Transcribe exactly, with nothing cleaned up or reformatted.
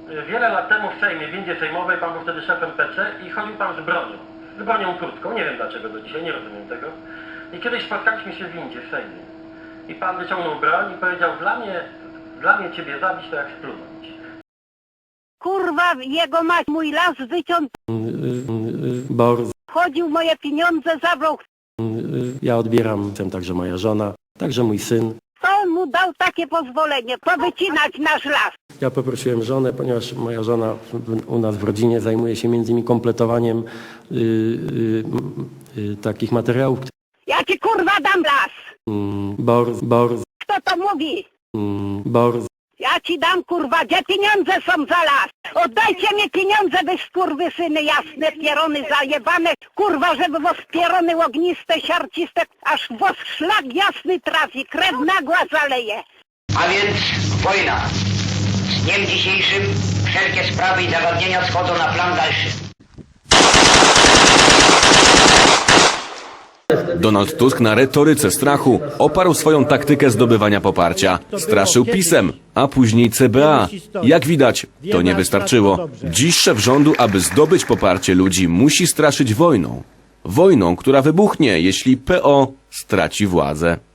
Wiele lat temu w Sejmie, w windzie sejmowej, pan był wtedy szefem P C i chodził pan z bronią. Z bronią krótką, nie wiem dlaczego do dzisiaj, nie rozumiem tego. I kiedyś spotkaliśmy się w windzie w Sejmie. I pan wyciągnął broń i powiedział, dla mnie, dla mnie ciebie zabić to jak splunąć. Kurwa, jego mać, mój las wyciął, Bor, chodził moje pieniądze, zabrał. ja odbieram, jestem także moja żona, także mój syn. Kto on mu dał takie pozwolenie, powycinać nasz las? Ja poprosiłem żonę, ponieważ moja żona w- u nas w rodzinie zajmuje się między innymi kompletowaniem y, y, y, takich materiałów. Ja ci kurwa dam las. Mm, Bor, bor, Kto to mówi? mm, bor, Ja ci dam kurwa, gdzie pieniądze są za las? Oddajcie mi pieniądze, wy skurwysyny jasne, pierony zajebane, kurwa, żeby was pierony ogniste, siarciste, aż was szlak jasny trafi, krew nagła zaleje. A więc wojna. Z dniem dzisiejszym wszelkie sprawy i zagadnienia schodzą na plan dalszy. Donald Tusk na retoryce strachu oparł swoją taktykę zdobywania poparcia. Straszył PiS-em, a później C B A. Jak widać, to nie wystarczyło. Dziś szef rządu, aby zdobyć poparcie ludzi, musi straszyć wojną. Wojną, która wybuchnie, jeśli P O straci władzę.